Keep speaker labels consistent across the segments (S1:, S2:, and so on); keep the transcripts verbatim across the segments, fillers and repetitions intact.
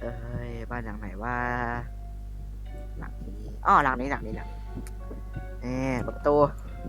S1: เอ้ยบ้านหลังไหนว่าหลังนี้อ้อหลังนี้หลังนี้หลังนี่เปิดประตู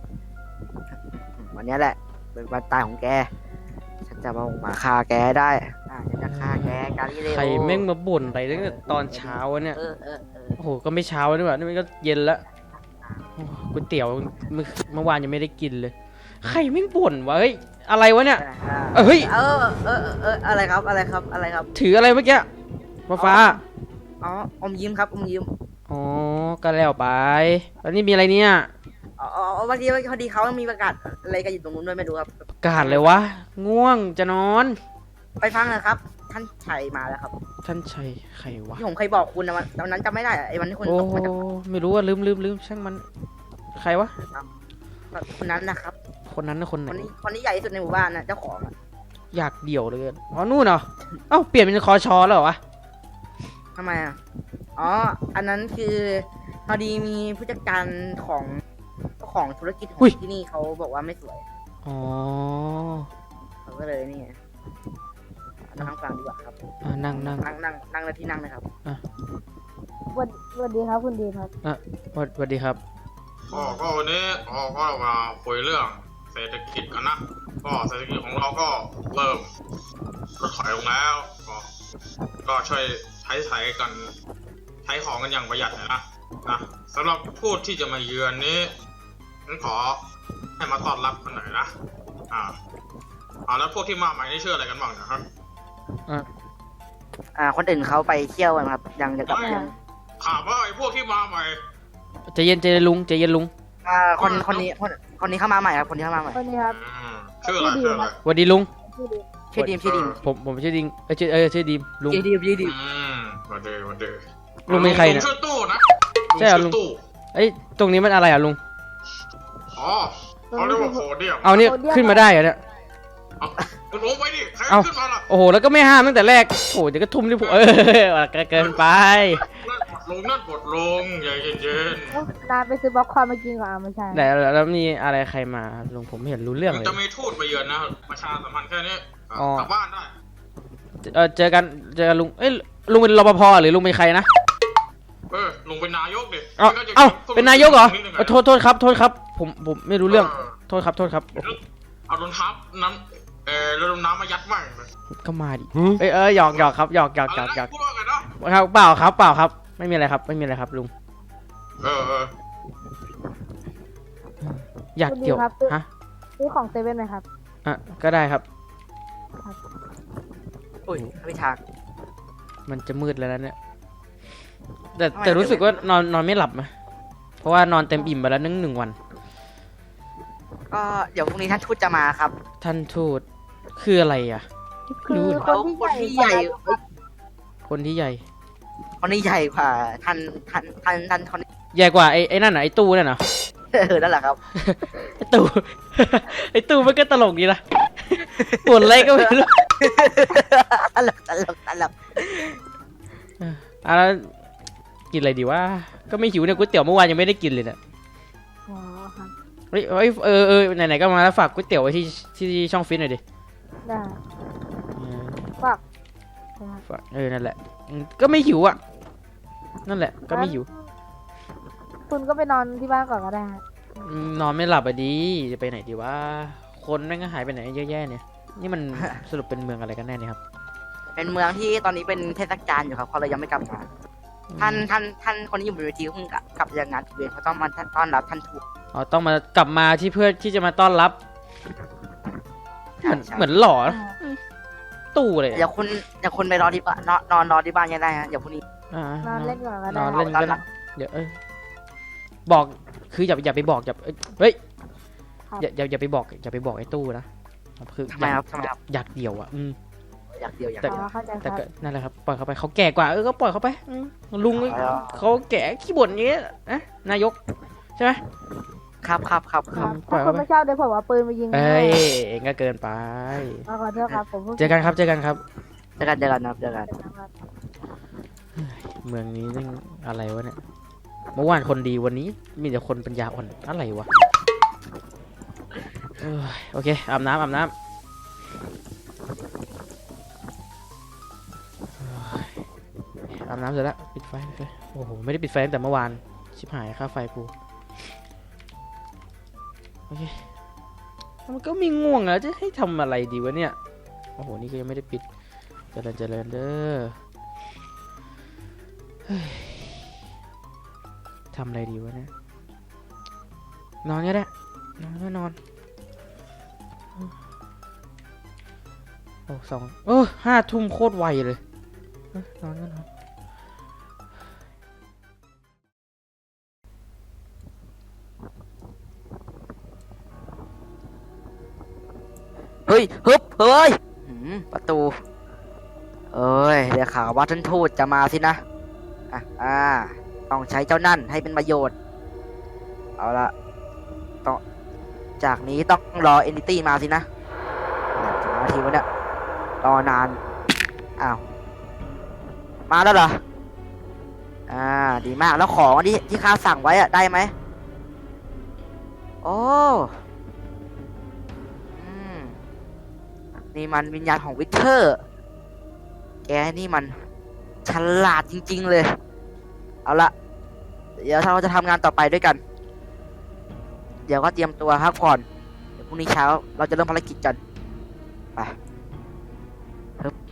S1: วันนี้แหละเป็นวันตายของแกฉันจะมามาฆ่าแกได้อ่าฉันจะฆ่าแกกาลิเลโอ
S2: ใครแม่งมาบ่นอะไรตั้งแต่ตอนเช้าเนี่ย
S1: เออเออเออ
S2: โอ้โหก็ไม่เช้านี่หว่านี่มันก็เย็นแล้วก๋วยเตี๋ยวเมื่อเมื่อวานยังไม่ได้กินเลยใครแม่งบ่นวะเฮ้ยอะไรวะเนี่ย เออเฮ้ย
S1: เออเออเอออะไรครับอะไรครับอะไรครับ
S2: ถืออะไรเมื่อกี้ฟ้าฟ้า
S1: อ๋ออมยิ้มครับอมยิ้ม
S2: อ๋อก็แล้วไปแล้วนี่มีอะไรเนี่ย
S1: อ๋ออ๋อวันนี้พอดีเขามีประกาศอะไรกันอยู่ตรงนู้นด้วยไม่รู้ครับ
S2: กาดเลยวะง่วงจะนอน
S1: ไปฟังนะครับ ท่านชัยมาแล้วครับ
S2: ท่านชัยใครวะ
S1: ที่ผมเคยบอกคุณนะวันตอนนั้นจำไม่ได้อะไอ้วันที่คุณ
S2: โอ้
S1: ตกมาจาก
S2: ไม่รู้ว่าลืมลืมลืมช่างมันใครวะ
S1: คนนั้นนะครับ
S2: คนนั้นนะคนไห
S1: คน นนี้คนนี้ใหญ่ที่สุดในหมู่บ้านนะเจ้าของอะ
S2: อยากเดี่ยวเลยอ๋อนู่นเหรอเอ้าเปลี่ยนเป็นคอชอแล้วเหรอวะ
S1: ทำไมอ่ะอ๋ออันนั้นคือพอดีมีผู้จัดการของเจ้าของธุรกิจของที่นี่เขาบอกว่าไม่สวย
S2: อ๋อ
S1: เขาก็เลยนี่ไงนั่งฟังดีกว่าครับ
S2: อ่านั่งนั่ง
S1: นั่งนั่งนั่งในที่นั่งนะครับ
S3: สวัสสวัสดีครับคุณดีครับ
S2: อ่ะสวัสสวัสดีครับ
S4: ก็ก็วันนี้เราก็มาคุยเรื่องเศรษฐกิจกันนะ ก็เศรษฐกิจของเราก็เริ่มลดถอยลงแล้ว ก็ก็ช่วยใช้ใช้กันใช้ของกันอย่างประหยัดหน่อยนะนะสำหรับผู้ที่จะมาเยือนนี้ฉันขอให้มาต้อนรับกันหน่อยนะอ่าอ่าแล้วพวกที่มาใหม่นี่ชื่ออะไรกันบ้างนะครับ
S1: อ่า คนอื่นเขาไปเที่ยวกันครับ ยังจะกลับยัง
S4: ถามว่าไอ้พวกที่มาใหม่
S2: ใจเย็นใจเย็นลุงใจเย็นลุง
S1: อ่าคนคนนี้คนคนนี้เข้ามาใหม่ครับคนนี้เข้ามาใหม่
S3: วันนี้ครับ
S4: อืมชื่ออะไรชื่ออะไร
S2: สวัสดีลุง
S3: ชื่อดี
S1: ชื่อดีมชื่อดีม
S2: ผมผมชื่อดิงเอ้ยชื่อเออชื่อดีมลุง
S1: ชื่อดีมชื่อดีม
S4: อืมวันเดย์วันเดย์
S2: ลุงเป็นใครเนี่ย
S4: ลุงชื่อตู้นะ
S2: ใช่เหรอลุ
S4: ลุ
S2: ง
S4: งชื่อตู้
S2: เอ้ยตรงนี้มันอะไรอ่ะลุง
S4: อ๋อเขาเรียกว่าโพเดียม
S2: เอานี่ขึ้นมาได้เหรอเนี่ย
S4: เอาลงไปดิใคร
S2: เอา
S4: ขึ้นมาล่ะ
S2: โอ้โหแล้วก็ไม่ห้ามตั้งแต่แรกโอ้เดี๋ยวก็ทุ่มที่ผมเออเกินไป
S4: นั่นกดลงนั่นกดลงอย่าเย็นเย็น
S3: เอ้านานไปซื้อบ็อกคอร์นมากินก่อนอ่ะไม่ใช่
S2: แต่แล้วมีอะไรใครมาลุงผมไม่เห็นรู้เรื่องเลย
S4: จะมีทูตมาเยือนนะประชาสัมพันธ์แค่นี้
S2: อ๋อ
S4: กลับบ้านได้
S2: เออเจอกันเจอกันลุงเอ้ยลุงเป็นรปภหรือลุงเป็นใครนะ
S4: เออลงเป็นนายกดิ
S2: เอ้า
S4: ไม่งั้นจะ
S2: เอ้าเป็นนายกเหรอ
S4: นิดนึง
S2: เออโทษโทษครับโทษครับผมผมไม่รู้เรื่องโทษครับโทษครับ
S4: เอารองเท้าน้ำเออเรือดำน้ำมายัดมั่งเลย
S2: ก็มาดิเอ้ยเออหยอกหยอกครับหยอกหยอกหยอกหยอก
S4: พูดว่าไงนะ
S2: ครับเปล่าครับเปล่าครับไม่มีอะไรครับไม่มีอะไรครับลุง
S4: เออเออ
S2: อยากเกี่ยวฮะ
S3: ซื้อของเซเว่นไหมครับ
S2: อ่ะก็ได้ครับ
S1: อุ้ยไม่ทาง
S2: มันจะมืดแล้วนะเนี่ยแต่
S1: ทำไม
S2: แต่รู้สึกว่านอนนอนไม่หลับไหมเพราะว่านอนเต็มอิ่มไปแล้วนึ่งหนึ่งวัน
S1: ก็เดี๋ยวพรุ่งนี้ท่านทูตจะมาครับ
S2: ท่านทูตคืออะไรอ่ะ
S3: คือค
S1: เขา
S3: นที่
S1: คน
S3: ใหญ่
S1: ที่ใหญ่
S2: คนที่ใหญ่
S1: คนนี้ใหญ่กว่าท่านท่านท่านท่านคนนี้
S2: ใหญ่กว่าไอ้ไอ้นั่นน่ะไอ้ตู้นั่นน่ะ
S1: เออนั่นแหละครับ
S2: ไอ้ตู้ ไอ้ตู้มันก็ตลกดีนะปวดอะไรก็ไม่รู้
S1: ตลกตลกตลก
S2: อ่ะแล้วกินอะไรดีวะก็ไม่หิวเนี่ยก๋วยเตี๋ยวเมื่อวานยังไม่ได้กินเลยเนี่ย
S3: อ๋อครับ
S2: เฮ้ยเฮ้ยเออเออไหนๆก็มาแล้วฝากก๋วยเตี๋ยวไว้ที่ที่ช่องฟิตหน่อยดิ
S3: ได้
S2: เออ
S3: ฝากนะครับ
S2: ฝากเออนั่นแหละอืมก็ไม่หิวอ่ะนั่นแหละก็ไม่หิว
S3: คุณก็ไปนอนที่บ้านก่อนก็ได้ฮะ
S2: อืมนอนไม่หลับอ่ะดีจะไปไหนดีวะคนแม่งก็หายไปไหนเยอะแยะเนี่ยนี่มัน สรุปเป็นเมืองอะไรกันแน่เนี่ยครับ
S1: เป็นเมืองที่ตอนนี้เป็นเทศกาลอยู่ครับเขาเลยยังไม่กลับมา ท่านท่านท่านคนที่อยู่บนเวทีเพิ่งกลับกลับจากงานเวียนเขาต้องมาต้อนรับท่านทูต
S2: อ๋อต้องมากลับมาที่เพื่อที่จะมาต้อนรับเหมือน
S1: ใช่
S2: เหมือนหล่อนะตู้เลย
S1: เดี๋ยวคุณเดี๋ยวคุณไปรอที่บ้านนอนนอนรอที่บ้านยังได้ฮะเดี๋ยวพรุ่งนี้
S2: อ่าน
S3: อนเล่นก่อนก็
S2: น
S3: ได้
S2: อนเล่นก็ได้เดี๋ยวเอ้ยบอกคืออย่าอย่าไปบอกอย่าเอ้ยเฮ้ยอย่าอย่าอย่าไปบอกอย่าไปบอกไอ้ตู้นะคือ
S1: ทำไมครับทำไมครับ
S2: อยากเดี่ยวอ่ะอืม
S1: อยากเดียวอยาก
S2: แต่
S1: เดียว
S3: อ๋อเข้าใจค
S2: แต่
S3: รับ
S2: ก็นั่นแหละครับปล่อยเขาไปเขาแก่กว่าเออก็ปล่อยเขาไปอืมลุง
S1: อ๋อ
S2: เขาแก่ขี้บ่นอย่างเงี้ยนะนายกใช่ไหม
S1: ครับครับครับค
S3: ค
S1: รั
S3: รั
S1: บบ
S2: ปล่อย
S3: ถ้าคุ
S2: เขาไป
S3: ณไม่ชอบเดี๋ยวผมเอาปืนมายิง
S2: เอ้ยเองก็เกินไป
S3: เอาขอโทษครับผมพิ่ง
S2: เจอกันครับเจอกันครับ
S1: เจอกันเจอกันครับเจอกัน
S2: เมืองนี้นี่อะไรวะเนี่ยเมื่อวานคนดีวันนี้มีแต่คนปัญญาอ่อนอะไรวะเอ้ยโอเคอาบน้ำอาบน้ำเอ้ยอาบน้ำเสร็จแล้วปิดไฟปิดไฟโอ้โหไม่ได้ปิดไฟตั้งแต่เมื่อวานชิบหายค่าไฟกูโอเคมันก็มีง่วงแล้วจะให้ทำอะไรดีวะเนี่ยโอ้โหนี่ก็ยังไม่ได้ปิดเจริญเจริญเด้อเฮ้ยทำอะไรดีวะเนี่ยนอนก็ได้นอนก็นอนโอ้สองเออห้าทุ่มโคตรไวเลยเอ้ยนอนก็นอน
S1: เฮ้ยฮึบเฮ้ยหืมประตูเอ้ยเดี๋ยวข่าวว่าท่านทูตจะมาสินะอ่ะอ่าต้องใช้เจ้านั่นให้เป็นประโยชน์เอาละต้องจากนี้ต้องรอเอนติตี้มาสินะเนี่ยจะมาทีวะเนี่ยรอนานอ้าวมาแล้วเหรออ่าดีมากแล้วของที่ที่ข้าสั่งไว้อะได้ไหมโอ้อืมนี่มันวิญญาณของวิเทอร์ แกนี่มันฉลาดจริงๆเลย เอาละเดี๋ยวเราจะทำงานต่อไปด้วยกัน เดี๋ยวก็เตรียมตัวพักผ่อนเดี๋ยวพรุ่งนี้เช้าเราจะเริ่มภารกิจกันไปฮึบ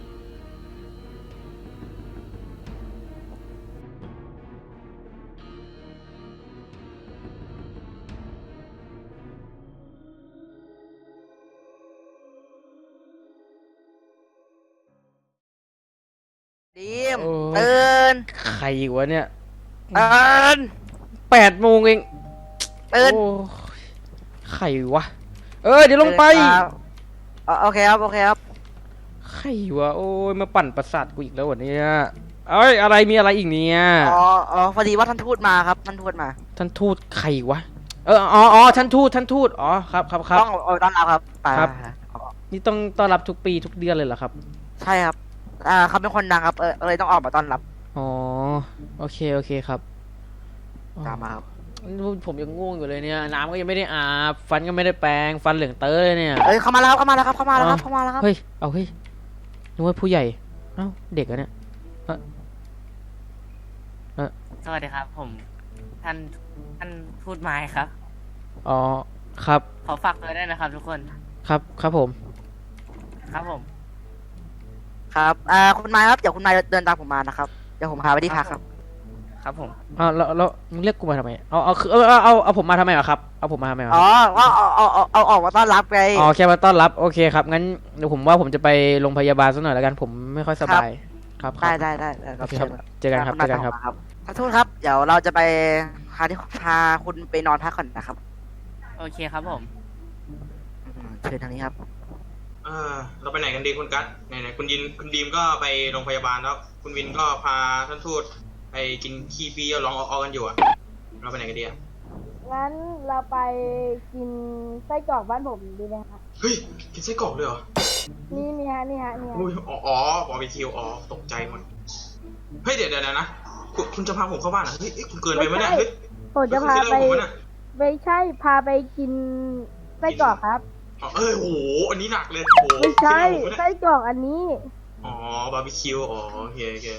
S1: ดีม
S2: โอ้ย
S1: ตื่น
S2: ใครอีกวะเนี่ย
S1: ตื่น
S2: แปดโมงเอง
S1: ตื่น
S2: โอ้ยใครวะเออเดี๋ยวลงไป
S1: ตื่นครับอ๋อโอเคครับโอเคครับ
S2: ใครวะโอ้ยมาปั่นประสาทกูอีกแล้ววันนี้เอ้ยอะไรมีอะไรอีกเนี่ย
S1: อ๋ออ๋อพอดีว่าท่านทูตมาครับท่านทูตมา
S2: ท่านทูตใครวะเอออ๋ออ๋อท่านทูตท่านทูตอ๋อครับครับครับ
S1: ต้องเอาต้อนรับครับไป
S2: ครับ
S1: อ๋อ
S2: นี่ต้องต้อนรับทุกปีทุกเดือนเลยเหรอครับ
S1: ใช่ครับอ่าเขาเป็นคนดังครับเออเลยต้องออกมาต้อนรับ
S2: อ๋อโอเคโอเคครับ
S1: ตามมาครับ
S2: ผมยังง่วงอยู่เลยเนี่ยน้ำก็ยังไม่ได้อาบฟันก็ไม่ได้แปรงฟันเหลืองเต้ยเนี่ย
S1: เอ้ยเข้ามาแล้วครับเข้ามาแล้วครับเข้ามาแล้วครับเข้ามาแล้วครับ
S2: เฮ้ยเอาเฮ้ยนึกว่าผู้ใหญ่เอ้าเด็กอะเนี่ย
S5: สวัสดีครับ ผม ท่านท่านพูดไม้ครับ
S2: อ๋อครับ
S5: ขอฝากตัวด้วยนะครับ ทุกคน
S2: ครับครับผม
S5: ครับผม
S1: ครับอ่าคุณไม้ครับเดี๋ยวคุณไม้เดินตามผมมานะครับเดี๋ยวผมพาไปที่พักครับ
S5: ครับผม
S2: อ้าวแล้วแล้วมึงเรียกกูมาทำไมเอาเอาคือเอาเอาเอาเอาผมมาทำไมเหรอครับเอาผมมาทำไมเหรอค
S1: อ๋
S2: รับ
S1: อก็เอาเอาเอาเอาออกมาต้อนรับไง
S2: อ๋อแค่มาต้อนรับโอเคครับงั้นเดี๋ยวผมว่าผมจะไปโรงพยาบาลสักหน่อยแล้วกันผมไม่ค่อยสบายครับค
S1: ได้
S2: รับ
S1: ได้ได้ได้ค
S2: โอ
S1: รับ
S2: เคครับ
S1: เชิญ
S2: เจอกันครับ
S1: ณ
S2: เจอกันครับ
S1: มาครับขอโทษครับเดี๋ยวเราจะไปพาที่พาคุณไปนอนพักก่อนนะครับ
S5: โอเคครับผม
S1: อืมเชิญทางนี้ครับ
S4: เออเราไปไหนกันดีคุณกัสไหนๆคุณยินคุณดีมก็ไปโรงพยาบาลแล้ว คุณวินก็พาท่านทูตไปกินขี้ฟรีเอาลองเอาๆกันอยู่อะเราไปไหนกันดีอะ
S3: งั้นเราไปกินไส้กรอกบ้านผมดีไหมคะ
S4: เฮ้ยกินไส้กรอกเลยเหรอ
S3: นี่นี่ฮะนี่ฮะนี่ฮะ
S4: อุ้ยอ๋ออ๋อบาร์บีคิวอ๋อตกใจหมดเฮ้ยเดี๋ยวเดี๋ยวเดี๋ยวนะคุณคุณจะพาผมเข้าบ้านเหรอเฮ้ยเอ้ยคุณเกินไปไหมเนี่ยเฮ้ย
S3: ผมจะพาไป
S4: คุณคิดอะไรกับผมวะเนี่ย
S3: ไม่ใช่พาไปกินไส้กรอกครับ
S4: อ๋อเออโหอันนี้หนักเลยโอ้โห
S3: ไม่ใช่
S4: คิดอะไรกับผมวะเนี่ย
S3: ไส้กรอกอันนี้
S4: อ๋อบาร์บีคิวอ๋อโอเคโอเค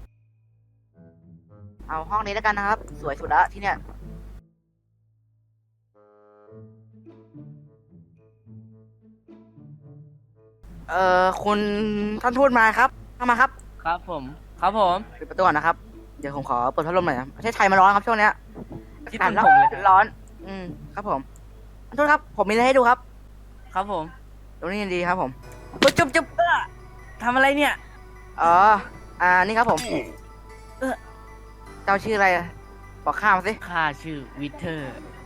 S1: เอาห้องนี้แล้วกันนะครับ สวยสุดละที่เนี่ยเอ่อคุณท่านทูตมาครับเข้ามาครับ
S5: ครับผม ครับผม
S1: ปิดประตูก่อนนะครับ เดี๋ยวผมขอเปิดพัดลมหน่อยนะประเทศไทยมันร้อนครับช่วงเนี้ย
S5: ที่
S1: อากาศ
S5: ผมเลยครับ
S1: ร้อน อืมครับผมท่านทูตครับ ผมมีอะไรให้ดูครับ
S5: ครับผม
S1: ตรงนี้ดีครับผมจุ๊บจุ๊บจุ๊บ
S5: เออทำอะไรเนี่ย
S1: อ๋อ อ่า นี่ครับผม
S5: เออ
S1: เจ้าชื่ออะไรอะบอกข้ามาสิ
S5: ข้าชื่อวิเทอร์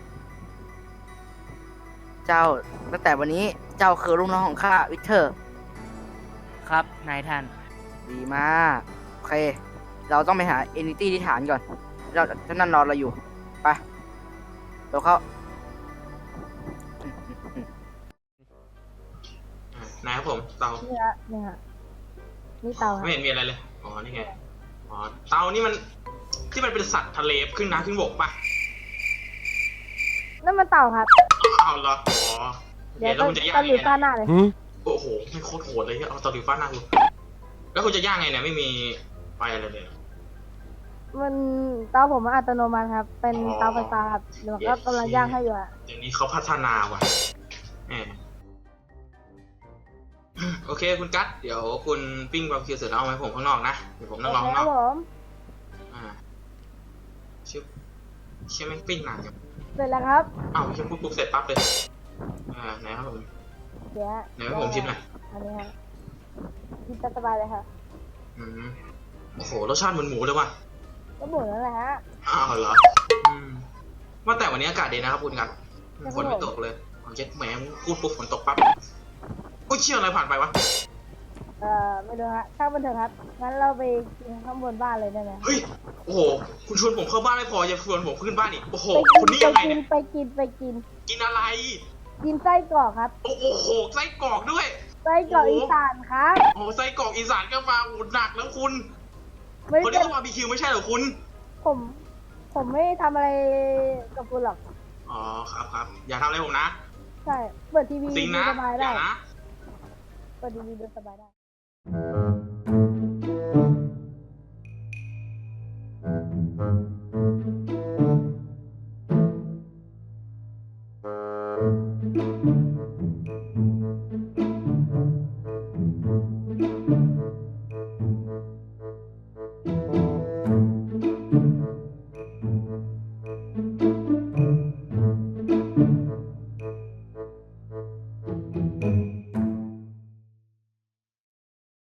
S1: เจ้า ตั้งแต่วันนี้ เจ้าคือลูกน้องของข้าวิเทอร์
S5: ครับ นายท่าน
S1: ดีมาก โอเค เราต้องไปหาเอนิตี้ที่ฐานก่อน เราท่านนั่นรอเราอยู่ ไปเดี๋ยวเข้าอืมอืมอืม
S4: อ่ะนายครับผมเตา
S3: นี่ฮะนี่ฮะนี่เตาฮะ
S4: ไม่เห็นมีอะไรเลย อ๋อ นี่ไง อ๋อ เตานี่มัน ที่มันเป็นสัตว์ทะเลขึ้นน้ำขึ้นบกปะ
S3: นั่นมันเต่าครับ
S4: อ้าวเหรอ อ๋อ
S3: เดี๋ยว
S4: แล้ว
S3: ตะ
S4: คุณจะย่าง
S3: ตะหลิว
S4: ไง
S3: ฟาด
S4: นะ
S3: หน้าเลย
S4: โอ้โห ไม่โคตรโหดเลยเนี่ยเอาตะหลิวฟาดหน้าคุณแล้วคุณจะย่างไงเนี่ย ไม่มีไฟอะไรเลย
S3: มันเตาผมมันอัตโนมัติครับ เป็นเตาไฟฟ้าครับเดี๋ยวก็กำลังย่างให้อยู่อะ
S4: เดี๋ยวนี้เขาพัฒนาว่ะแหมโอเคคุณกั๊ดเดี๋ยวคุณปิ้งบาร์บีคิวเสร็จแล้วเอาไว้ผมข้างนอกนะเดี๋ยวผมนั่งรอ
S3: โอเค
S4: ข้างน
S3: ค
S4: อ
S3: รับ
S4: ก
S3: ผม
S4: อ่าชิบเชี่ยแม่งปิ้งนานจัง
S3: เสร็จแล้วครับ
S4: อ้าวไม่ใช่ปุ๊บปุ๊บเสร็จปั๊บเลยอ่าไหนครับผม
S3: เดี๋ยว
S4: ไหนให้ผมชิมหน่อย
S3: อันนี้ครับกินสบายเลยค่ะ
S4: อืมโอ้โหรสชาติเหมือนหมูเลยว่ะ
S3: ก็หมุนนั่นแหละฮะ
S4: อ้าวเหรออืมว่าแต่วันนี้อากาศดีนะครับคุณกั๊ดฝนไม่ตกเลยเอาเจ็ดแหมพูดปุ๊บฝนตกปั๊บโอ้ยเชี่ยอะไรผ่านไปวะ
S3: เอ่อไม่รู้ฮะช่างมันเถอะครับงั้นเราไปกินข้างบนบ้านเลยได้ไหม
S4: เฮ้ยโอ้โหคุณชวนผมเข้าบ้านไม่พอยังชวนผมขึ้นบ้านอีกโอ้โห
S3: ไป
S4: คุณนี่
S3: กิ
S4: ยังไง
S3: น
S4: เนี่ย
S3: ไปกินไปกิน
S4: กินอะไร
S3: กินไส้กรอกครับ
S4: โอ้โหไส้กรอกด้วย
S3: ไส้กรอกอีสานครับ
S4: โอ้ไส้กรอกอีสานก็มาโอ้หนักแล้วคุณ
S3: ไม่
S4: คน
S3: เป็
S4: นี้
S3: น
S4: ก็บาร์บีคิวไม่ใช่เหรอคุณ
S3: ผม ผมไม่ทำอะไรกับคุณหรอก
S4: อ๋อครับครับอย่าทำอะไรผมนะ
S3: ใช่เปิดทีวี
S4: สิง
S3: ดู
S4: นะ
S3: สบาย
S4: อ
S3: ได้
S4: ย่านะ
S3: เปิดทีวีดูสบายได้
S4: อ